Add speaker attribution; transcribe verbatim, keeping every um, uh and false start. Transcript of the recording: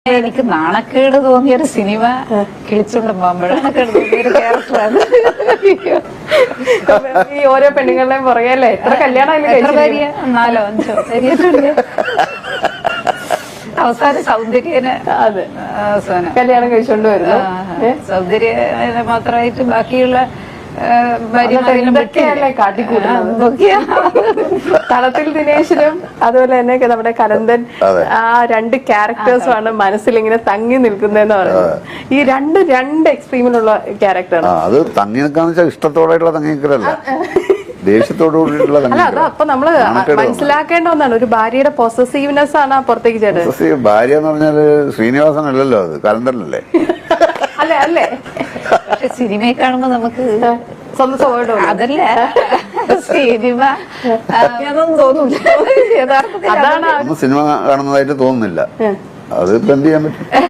Speaker 1: എനിക്ക് നാണക്കേട് തോന്നിയ ഒരു സിനിമ കിളിച്ചുള്ള പാമ്പഴ നാണക്കേട് തോന്നിയ ഒരു ക്യാരക്ടറാണ്.
Speaker 2: ഈ ഓരോ പെണ്ണുങ്ങളുടെയും പുറകെയല്ലേ എത്ര കല്യാണം
Speaker 1: എത്ര ഭാര്യ? നാലോ അഞ്ചോ ഭാര്യയിട്ടുണ്ട്. അവസാനം സൗന്ദര്യനെ
Speaker 2: അതെ
Speaker 1: അവസാനം
Speaker 2: കല്യാണം കഴിച്ചോണ്ട് വരുന്നു.
Speaker 1: സൗന്ദര്യ മാത്രമായിട്ട് ബാക്കിയുള്ള
Speaker 2: എന്തൊക്കെയല്ലേ കാട്ടിക്കൂട്ടുന്നത്. തളത്തിൽ ദിനേശിനും അതുപോലെ തന്നെ നമ്മുടെ കലന്തൻ ആ രണ്ട് ക്യാരക്ടേഴ്സും ആണ് മനസ്സിൽ ഇങ്ങനെ തങ്ങി നിൽക്കുന്നതെന്ന് പറയുന്നത്. ഈ രണ്ട് രണ്ട് എക്സ്ട്രീമിലുള്ള ക്യാരക്ടറാണ്.
Speaker 3: അത് തങ്ങി നിൽക്കാന്ന് വെച്ചാൽ ഇഷ്ടത്തോടെയുള്ള തങ്ങി നിൽക്കലല്ല, ദേഷ്യത്തോടുകൂടിയുള്ള.
Speaker 2: അല്ല അത് അപ്പൊ നമ്മള് മനസ്സിലാക്കേണ്ട ഒന്നാണ്, ഒരു ഭാര്യയുടെ പൊസസീവ്നെസ് ആണ് ആ പുറത്തേക്ക് ചേട്ടത്.
Speaker 3: ഭാര്യ എന്ന് പറഞ്ഞാല് ശ്രീനിവാസൻ അല്ലല്ലോ, അത് കലന്തനല്ലേ?
Speaker 2: അല്ലേ അല്ലേ
Speaker 1: പക്ഷെ സിനിമയിൽ കാണുമ്പോ നമുക്ക്
Speaker 2: സ്വന്തം സ്വഭാവം
Speaker 1: അതല്ല സിനിമ അതൊന്നും തോന്നൂല. യഥാർത്ഥത്തിൽ
Speaker 2: അതാണ്
Speaker 3: സിനിമ കാണുന്നതായിട്ട് തോന്നുന്നില്ല. അത് ഇപ്പൊ എന്ത് ചെയ്യാൻ പറ്റും?